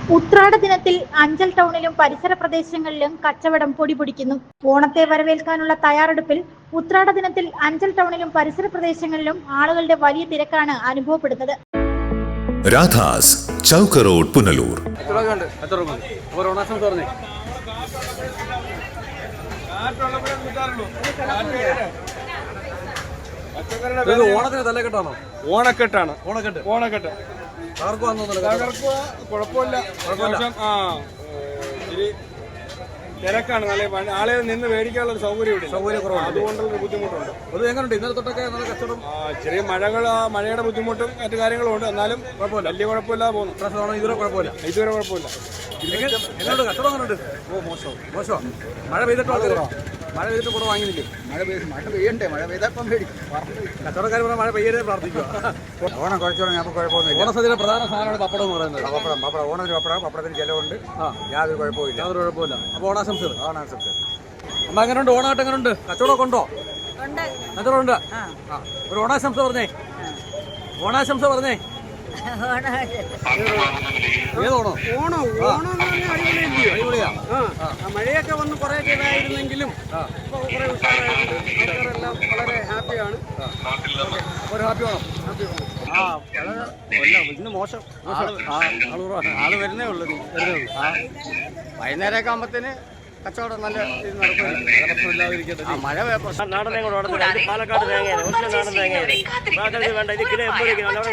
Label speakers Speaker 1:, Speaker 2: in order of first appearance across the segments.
Speaker 1: ഉത്രാട ദിനത്തിൽ അഞ്ചൽ ടൗണിലും പരിസര പ്രദേശങ്ങളിലും കച്ചവടം പൊടിപൊടിക്കുന്നു. ഓണത്തെ വരവേൽക്കാനുള്ള തയ്യാറെടുപ്പിൽ ഉത്രാട ദിനത്തിൽ അഞ്ചൽ ടൗണിലും പരിസര പ്രദേശങ്ങളിലും ആളുകളുടെ വലിയ തിരക്കാണ് അനുഭവപ്പെടുന്നത്.
Speaker 2: രാധാസ് ചൗക്ക് റോഡ്, പുനലൂർ.
Speaker 3: ഓണത്തിന് തലക്കെട്ടാണോ? ഓണക്കെട്ടാണ്. ഓണക്കെട്ട് കുഴപ്പമില്ല. ഇച്ചിരി തിരക്കാണ്. നല്ല ആളെ നിന്ന് മേടിക്കാനുള്ള സൗകര്യം കുറവാണ്. അതുകൊണ്ടുള്ള ബുദ്ധിമുട്ടുണ്ട്. അത് എങ്ങനെയുണ്ട് ഇന്നലെ തൊട്ടൊക്കെ നല്ല കച്ചവടം? ചെറിയ മഴയുടെ ബുദ്ധിമുട്ടും മറ്റു കാര്യങ്ങളും ഉണ്ട്. എന്നാലും കുഴപ്പമില്ല, വലിയ കുഴപ്പമില്ലാതെ പോകുന്നു. ഇതുവരെ കുഴപ്പമില്ല. എങ്ങനെയുണ്ട് കച്ചവടം? എങ്ങനെയുണ്ട്? മോശം. മഴ പെയ്തിട്ട് കൂടെ വാങ്ങിയില്ലേ? മഴ പെയ്യണ്ടേ? മഴ പെയ്തപ്പം മേടിക്കും. കച്ചവടക്കാർ പറഞ്ഞാൽ മഴ പെയ്യരുത് പ്രാർത്ഥിക്കുക.
Speaker 4: ഓണം കുറച്ചോളം നമുക്ക് കുഴപ്പമൊന്നുമില്ല.
Speaker 3: ഓണസദ്യയുടെ പ്രധാന സാധനമാണ് പപ്പടം എന്ന് പറയുന്നത്.
Speaker 4: പപ്പടം ഓണത്തിന് പപ്പടത്തിന് ചിലവുണ്ട്. യാതൊരു കുഴപ്പമില്ല.
Speaker 3: അപ്പോൾ ഓണാശംസകൾ. അമ്മ എങ്ങനെയുണ്ട്? ഓണായിട്ട് എങ്ങനെയുണ്ട്? കച്ചവടമൊക്കെ ഉണ്ടോ? കച്ചവടമുണ്ട്. ഒരു ഓണാശംസ പറഞ്ഞേ.
Speaker 5: മഴയൊക്കെ വന്ന് കുറെ ഇതായിരുന്നെങ്കിലും കുറെ ഉഷാറായിട്ടുണ്ട്. വളരെ ഹാപ്പിയാണ്. ഇന്ന് മോശം. ആള് വരുന്നേ ഉള്ളൂ. വൈകുന്നേരമൊക്കെ ആകുമ്പത്തേന് കച്ചവടം നല്ല ഇത് നടക്കും. മഴ
Speaker 6: നാടൻ പാലക്കാട് തേങ്ങയാണ്. ഒറ്റ നാടൻ തേങ്ങയാണ്. വേണ്ട ഇത് കിലോ 80 രൂപ. ഓണ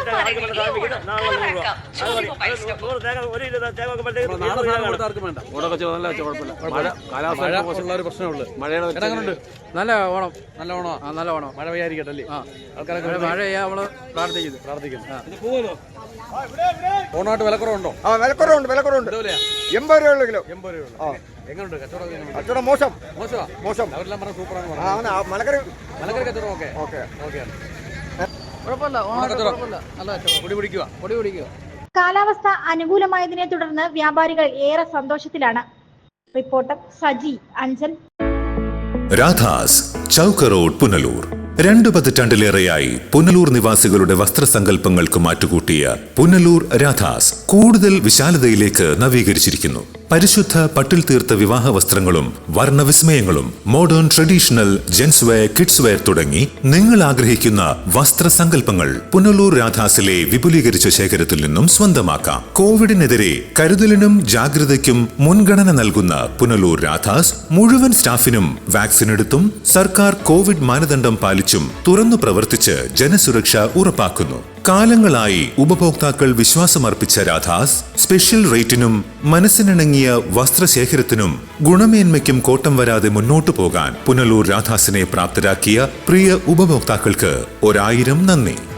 Speaker 6: കച്ചവടം നല്ല കുഴപ്പമില്ല. മഴ കാലാവസ്ഥ ഒരു പ്രശ്നമുള്ളൂ. മഴയുടെ
Speaker 3: നല്ല ഓണം.
Speaker 6: നല്ല ഓണം.
Speaker 3: മഴ പെയ്യാതിരിക്കട്ടല്ലേ?
Speaker 6: ആൾക്കാരൊക്കെ മഴ ചെയ്യാൻ നമ്മള് പ്രാർത്ഥിക്കുന്നു.
Speaker 3: ഓണമായിട്ട് വിലക്കുറവുണ്ടോ?
Speaker 4: വിലക്കുറവുണ്ട്. 80 രൂപയുള്ള കിലോ.
Speaker 3: 80 രൂപ. എങ്ങനെയുണ്ട്
Speaker 4: കച്ചവടം? മോശം.
Speaker 3: അവരെല്ലാം പറഞ്ഞ സൂപ്പറാണ്.
Speaker 4: മലക്കറി
Speaker 3: കച്ചവടം ഓക്കെ.
Speaker 6: കുഴപ്പമില്ല. നല്ല പൊടി പിടിക്കുക.
Speaker 1: കാലാവസ്ഥ അനുകൂലമായതിനെ തുടർന്ന് വ്യാപാരികൾ ഏറെ സന്തോഷത്തിലാണ്. റിപ്പോർട്ടർ സജി, അഞ്ചൽ.
Speaker 2: രാധാസ് ചൗക്ക് റോഡ്, പുനലൂർ. 2 പതിറ്റാണ്ടിലേറെയായി പുനലൂർ നിവാസികളുടെ വസ്ത്രസങ്കല്പങ്ങൾക്ക് മാറ്റുകൂട്ടിയ പുനലൂർ രാധാസ് കൂടുതൽ വിശാലതയിലേക്ക് നവീകരിച്ചിരിക്കുന്നു. പരിശുദ്ധ പട്ടിൽ തീർത്ത വിവാഹ വസ്ത്രങ്ങളും വർണ്ണവിസ്മയങ്ങളും modern traditional gents wear, kids wear തുടങ്ങി നിങ്ങൾ ആഗ്രഹിക്കുന്ന വസ്ത്രസങ്കല്പങ്ങൾ പുനലൂർ രാധാസിലെ വിപുലീകരിച്ച ശേഖരത്തിൽ നിന്നും സ്വന്തമാക്കാം. കോവിഡിനെതിരെ കരുതലിനും ജാഗ്രതയ്ക്കും മുൻഗണന നൽകുന്ന പുനലൂർ രാധാസ് മുഴുവൻ സ്റ്റാഫിനും വാക്സിൻ എടുത്തും സർക്കാർ കോവിഡ് മാനദണ്ഡം പാലിച്ചും തുറന്നു പ്രവർത്തിച്ച് ജനസുരക്ഷ ഉറപ്പാക്കുന്നു. കാലങ്ങളായി ഉപഭോക്താക്കൾ വിശ്വാസമർപ്പിച്ച രാധാസ് സ്പെഷ്യൽ റേറ്റിനും മനസ്സിനിണങ്ങിയ വസ്ത്രശേഖരത്തിനും ഗുണമേന്മയ്ക്കും കോട്ടം വരാതെ മുന്നോട്ടു പോകാൻ പുനലൂർ രാധാസിനെ പ്രാപ്തരാക്കിയ പ്രിയ ഉപഭോക്താക്കൾക്ക് 1000 നന്ദി.